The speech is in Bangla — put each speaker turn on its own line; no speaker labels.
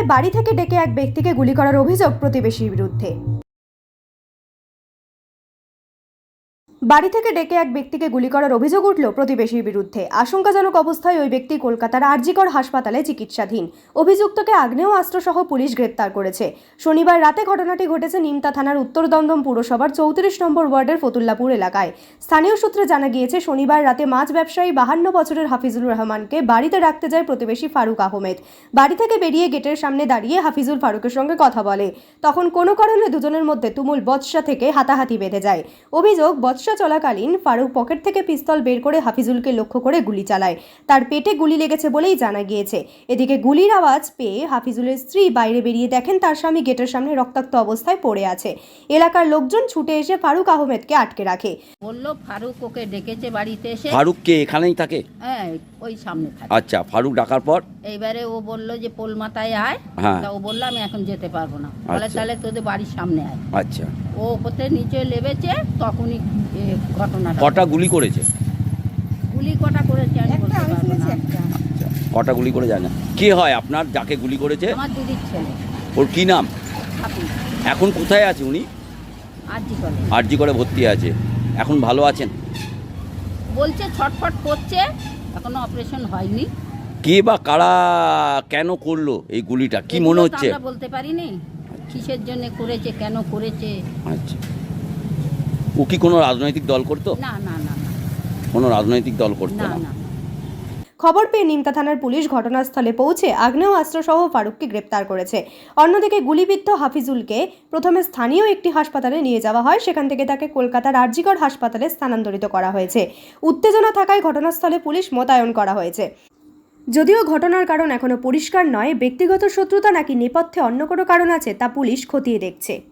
সন্ধ্যায় বাড়ি থেকে ডেকে এক ব্যক্তিকে গুলি করার অভিযোগ প্রতিবেশীর বিরুদ্ধে। বাড়ি থেকে ডেকে এক ব্যক্তিকে গুলি করার অভিযোগ উঠল প্রতিবেশীর বিরুদ্ধে। আশঙ্কাজনক অবস্থায় ওই ব্যক্তি কলকাতার আরজিকর হাসপাতালে চিকিৎসাধীন। অভিযুক্তকে আগ্নেয়াস্ত্রসহ পুলিশ গ্রেপ্তার করেছে। শনিবার রাতে ঘটনাটি ঘটেছে নিমতা থানার উত্তর দমদম পুরসভার 34 নম্বর ওয়ার্ডের ফতুল্লাপুর এলাকায়। স্থানীয় সূত্রে জানা গিয়েছে, শনিবার রাতে মাছ ব্যবসায়ী 52 বছরের হাফিজুর রহমানকে বাড়িতে রাখতে যায় প্রতিবেশী ফারুক আহমেদ। বাড়ি থেকে বেরিয়ে গেটের সামনে দাঁড়িয়ে হাফিজুল ফারুকের সঙ্গে কথা বলে। তখন কোনো কারণে দুজনের মধ্যে তুমুল বচসা থেকে হাতাহাতি বেঁধে যায়। অভিযোগ, বচসা চলাকালীন ফারুক পকেট থেকে পিস্তল বের করে হাফিজুলকে লক্ষ্য করে গুলি চালায়। তার পেটে গুলি লেগেছে বলেই জানা গিয়েছে। এদিকে গুলির আওয়াজ পেয়ে হাফিজুলের স্ত্রী বাইরে বেরিয়ে দেখেন তার স্বামী গেটের সামনে রক্তাক্ত অবস্থায় পড়ে আছে। এলাকার লোকজন ছুটে এসে ফারুক আহমেদকে আটকে রাখে।
বললো ফারুক ওকে ডেকেছে বাড়িতে এসে।
ফারুক কে এখানেই থাকে?
হ্যাঁ, ওই সামনে থাকে।
আচ্ছা, ফারুক ডাকার পর
এইবারে ও বললো যে পোল মাথায় আয়।
হ্যাঁ।
তা ও বললো আমি এখন যেতে পারবো না। বলে
আচ্ছা।
তাহলে তোদের বাড়ির সামনে আয়।
আচ্ছা,
ও ওপরে নিচে লেবেছে, তখনই ঘটনাটা।
কটা গুলি করেছে?
গুলি কটা করেছে আমি বলতে পারবো না।
আচ্ছা, কটা গুলি করে জানা? কে হয় আপনার যাকে গুলি করেছে?
আমার দিদির ছেলে।
ওর কি নাম?
হাফিজ।
এখন কোথায় আছে উনি?
আরজিকরে।
আরজি করে ভর্তি আছে। এখন ভালো আছেন?
বলছে ছটফট করছে, এখনো অপারেশন হয়নি।
কে বা কারা কেন করলো এই গুলিটা, কি মনে
এগুলো তো
হচ্ছে?
আমরা বলতে পারিনি কিসের জন্য করেছে, কেন করেছে।
আচ্ছা, ও কি কোনো রাজনৈতিক দল করতো?
না না না না
কোনো রাজনৈতিক দল করতো
না
না।
না।
খবর পেয়ে নিমতা থানার পুলিশ ঘটনাস্থলে পৌঁছে আগ্নেয়াস্ত্রসহ ফারুককে গ্রেপ্তার করেছে। অন্যদিকে গুলিবিদ্ধ হাফিজুলকে প্রথমে স্থানীয় একটি হাসপাতালে নিয়ে যাওয়া হয়। সেখান থেকে তাকে কলকাতার আরজিকর হাসপাতালে স্থানান্তরিত করা হয়েছে। উত্তেজনা থাকায় ঘটনাস্থলে পুলিশ মোতায়েন করা হয়েছে। যদিও ঘটনার কারণ এখনো পরিষ্কার নয়, ব্যক্তিগত শত্রুতা নাকি নেপথ্যে অন্য কোনো কারণ আছে তা পুলিশ খতিয়ে দেখছে।